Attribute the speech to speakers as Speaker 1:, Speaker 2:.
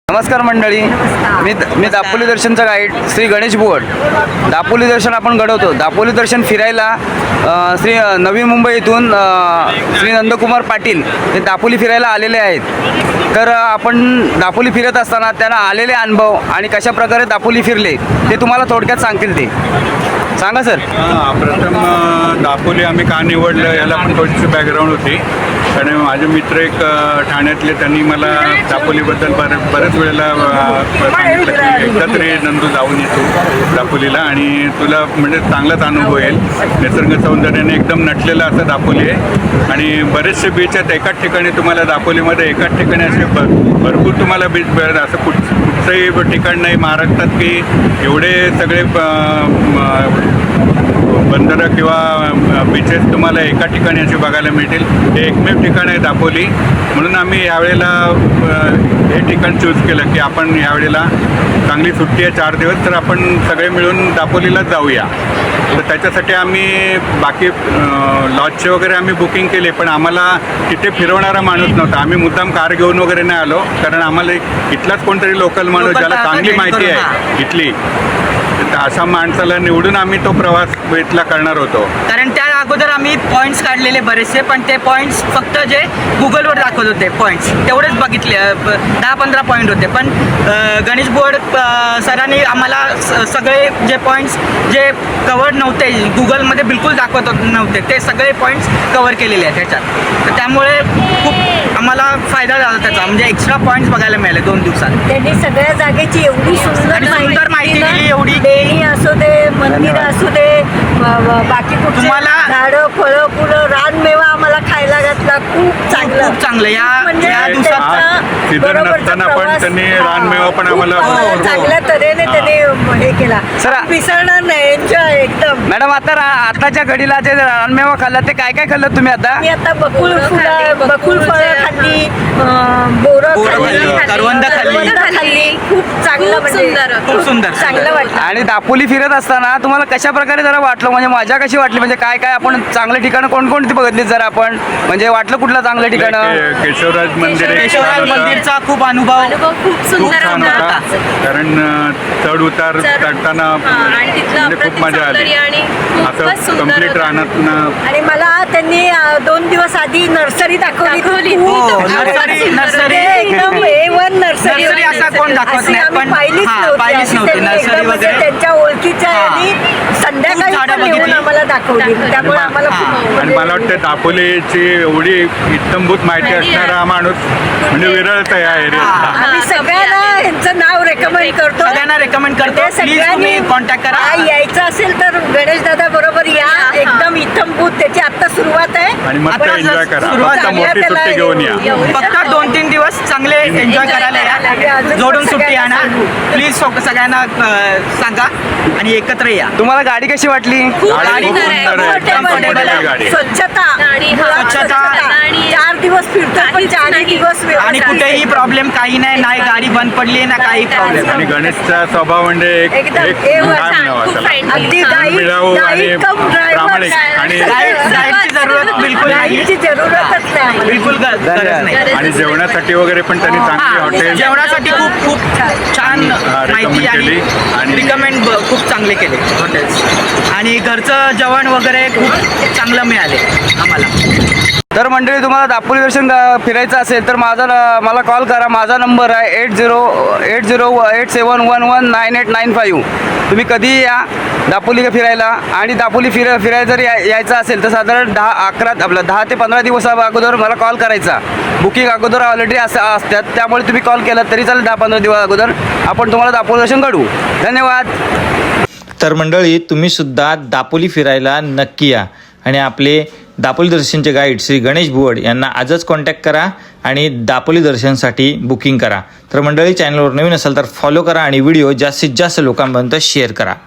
Speaker 1: नमस्कार मंडळी, मी दापोली दर्शनचा गाईड श्री गणेश बुवड. दापोली दर्शन आपण घडवतो. दापोली दर्शन फिरायला श्री नवी मुंबई येथून श्री नंदकुमार पाटील हे दापोली फिरायला आलेले आहेत. तर आपण दापोली फिरत असताना त्यांना आलेले अनुभव आणि कशा प्रकारे दापोली फिरले ते तुम्हाला थोडक्यात सांगतील. ते सांगा सर.
Speaker 2: प्रथम दापोली आम्ही का निवडलं याला पण थोडीशी बॅकग्राऊंड होती. कारण माझे मित्र एक ठाण्यातले, त्यांनी मला दापोलीबद्दल बऱ्याच वेळेला सांगितलं की एकदा तरी नंदू जाऊन येतो दापोलीला आणि तुला म्हणजे चांगलाच अनुभव येईल. निसर्ग सौंदर्याने एकदम नटलेलं असं दापोली आहे आणि बरेचसे बीच आहेत एकाच ठिकाणी. तुम्हाला दापोलीमध्ये एकाच ठिकाणी असे भरपूर तुम्हाला बीच मिळेल. असं कुठचंही ठिकाण नाही महाराष्ट्रात की एवढे सगळे बंदरं किंवा बीचेस तुम्हाला एका ठिकाणी असे बघायला मिळतील. हे एकमेव ठिकाण आहे दापोली. म्हणून आम्ही यावेळेला हे ठिकाण चूज केलं की आपण यावेळेला चांगली सुट्टी आहे 4 दिवस, तर आपण सगळे मिळून दापोलीलाच जाऊया. तर त्याच्यासाठी आम्ही बाकी लॉजचे वगैरे आम्ही बुकिंग केले, पण आम्हाला तिथे फिरवणारा माणूस नव्हता. आम्ही मुद्दाम कार घेऊन वगैरे नाही आलो, कारण आम्हाला इथलाच कोणतरी लोकल माणूस ज्याला चांगली माहिती आहे इथली, अशा माणसाला निवडून आम्ही तो प्रवास इथला करणार होतो.
Speaker 3: कारण त्या अगोदर आम्ही पॉईंट्स काढलेले बरेचसे, पण ते पॉईंट्स फक्त जे गुगलवर दाखवत होते पॉईंट्स तेवढेच बघितले. 10-15 पॉईंट होते. पण गणेश बुवड सरांनी आम्हाला सगळे जे पॉईंट्स जे कवर नव्हते, गुगलमध्ये बिलकुल दाखवत नव्हते, ते सगळे पॉईंट्स कवर केलेले आहेत त्याच्यात. तर त्यामुळे खूप आम्हाला फायदा झाला त्याचा. म्हणजे एक्स्ट्रा पॉईंट्स बघायला मिळाले 2 दिवसात.
Speaker 4: त्यांनी सगळ्या जागेची एवढी सुंदर
Speaker 3: माहिती दिली. एवढी
Speaker 4: देणी असू दे, मंदिर असू दे, बाकी कुठे
Speaker 3: तुम्हाला
Speaker 4: झाडं, फळं, फुलं, रानमेवा आम्हाला खायला घातला. खूप चांगलं
Speaker 3: या
Speaker 4: म्हणजे
Speaker 3: दिवसात
Speaker 2: सीझन नसताना पण त्यांनी रानमेवा पण आम्हाला
Speaker 4: चांगल्या तऱ्हेने त्यांनी हे केला.
Speaker 1: सर,
Speaker 4: विसरणार नाही. एन्जॉय एकदम.
Speaker 1: मॅडम, आताच्या घडीला जे रानमेवा खाल्ला ते काय काय खाल्लं तुम्ही आता?
Speaker 4: मी आता बकुळ फळं खाल्ली, बोरं खाल्ली,
Speaker 3: करवंद खाल्ली.
Speaker 4: खूप चांगलं, म्हणजे
Speaker 3: खूप सुंदर
Speaker 4: चांगलं वाटलं.
Speaker 1: आणि दापोली फिरत असताना तुम्हाला कशा प्रकारे जरा वाटलं, म्हणजे मजा कशी वाटली, म्हणजे काय काय आपण चांगले ठिकाणं कोणकोणती बघितली जरा आपण, म्हणजे वाटलं कुठलं चांगलं ठिकाण?
Speaker 2: केशवराज मंदिर
Speaker 3: केशवराज मंदिरचा खूप अनुभव
Speaker 5: खूप सुंदर
Speaker 2: छान होता.
Speaker 5: होता.
Speaker 2: कारण चढ उतार चढताना
Speaker 5: आणि तिथलं
Speaker 2: म्हणजे खूप मजा आली.
Speaker 5: आणि खूपच
Speaker 2: असं
Speaker 5: सुंदर
Speaker 2: कम्प्लीट
Speaker 5: होतं.
Speaker 2: रानात.
Speaker 4: आणि मला त्यांनी 2 दिवस आधी नर्सरी दाखवली.
Speaker 3: नर्सरी
Speaker 4: एकदम A1 नर्सरी.
Speaker 3: नर्सरी असा कोण दाखवत
Speaker 4: अशी
Speaker 3: नाही,
Speaker 4: आम्ही
Speaker 3: पण
Speaker 4: पाहिलीच
Speaker 3: पाहिलीच
Speaker 4: अशी
Speaker 3: नव्हती
Speaker 4: त्यांनी
Speaker 3: नर्सरी
Speaker 4: एकदम म्हणजे
Speaker 3: वगैरे.
Speaker 4: त्यांच्या ओळखीच्या आणि संध्याकाळी
Speaker 3: खूप झाडं
Speaker 4: पण येऊन
Speaker 3: बघितली.
Speaker 4: आम्हाला दाखवली. त्यामुळे आम्हाला खूप
Speaker 2: आणि मला वाटतं दापोलीची एवढी इत्तमभूत माहिती असणारा माणूस म्हणजे विरळच आहे या एरियातला.
Speaker 4: आम्ही सगळ्यांना यांचं नाव रेकमेंड करतो.
Speaker 3: सगळ्यांना रेकमेंड करतो.
Speaker 4: ते
Speaker 3: प्लीज तुम्ही कॉन्टॅक्ट करा.
Speaker 4: यायचं असेल तर गणेश दादा बरोबर या. एकदम इत्तमभूत त्याची आता सुरुवात आहे.
Speaker 2: आणि मस्त
Speaker 3: आता
Speaker 2: एन्जॉय करा.
Speaker 3: सुरुवात
Speaker 2: फक्त
Speaker 3: झाली
Speaker 2: मोठी
Speaker 4: त्याला
Speaker 2: सुट्टी घेऊन या.
Speaker 3: फक्त 2-3 दिवस चांगले एन्जॉय करायला या. जोडून सुट्टी आणा प्लीज. सगळ्यांना सांगा आणि एकत्र या.
Speaker 1: तुम्हाला गाडी कशी वाटली?
Speaker 2: गाडी खूप सुंदर आहे.
Speaker 4: Comfortable आहे.
Speaker 2: गाडी.
Speaker 4: स्वच्छता
Speaker 5: गाडी,
Speaker 3: स्वच्छता.
Speaker 5: आणि
Speaker 4: 4 दिवस फिरतो पण 4 दिवस
Speaker 3: आणि
Speaker 4: व्यवस्थित.
Speaker 3: कुठेही प्रॉब्लेम काही नाही गाडी बंद पडली ना काही प्रॉब्लेम.
Speaker 2: आणि गणेशचा स्वभाव म्हणजे
Speaker 4: एकदम
Speaker 2: एक
Speaker 4: A1.
Speaker 2: काय म्हणावं
Speaker 5: खूप
Speaker 2: त्याला?
Speaker 5: friendly.
Speaker 4: अगदी
Speaker 2: मिळावू आणि प्रामाणिक आणि
Speaker 3: गाईडची जरूरत बिलकुल नाही.
Speaker 4: गाईडची जरूरतच नाही आम्हाला.
Speaker 3: बिलकुल गरज नाही.
Speaker 2: आणि जेवणासाठी वगैरे पण त्यांनी चांगली हॉटेल
Speaker 3: जेवणासाठी खूप छान माहिती
Speaker 2: केली
Speaker 3: आणि
Speaker 2: आणि
Speaker 3: रिकमेंड खूप चांगले केले हॉटेल्स. आणि घरचं जेवण वगैरे खूप चांगलं मिळाले आम्हाला.
Speaker 1: तर मंडळी, तुम्हाला दापोली दर्शन फिरायचं असेल तर मला कॉल करा. माझा नंबर आहे 8087119895. तुम्ही कधीही या दापोली फिरायला. आणि दापोली फिरायला जर यायचं असेल तर साधारण 10 ते 15 दिवस अगोदर मला कॉल करायचा. बुकिंग अगोदर ऑलरेडी असतात, त्यामुळे तुम्ही कॉल केला तरी चालेल. 10-15 दिवस अगोदर आपण तुम्हाला दापोली दर्शन घडवू. धन्यवाद.
Speaker 6: तर मंडळी, तुम्ही सुद्धा दापोली फिरायला नक्की या आणि आपले दापोली दर्शनचे गाईड श्री गणेश बुवड यांना आजच कॉन्टॅक्ट करा आणि दापोली दर्शनसाठी बुकिंग करा. तर मंडळी, चॅनलवर नवीन असाल तर फॉलो करा आणि व्हिडिओ जास्तीत जास्त लोकांपर्यंत शेअर करा.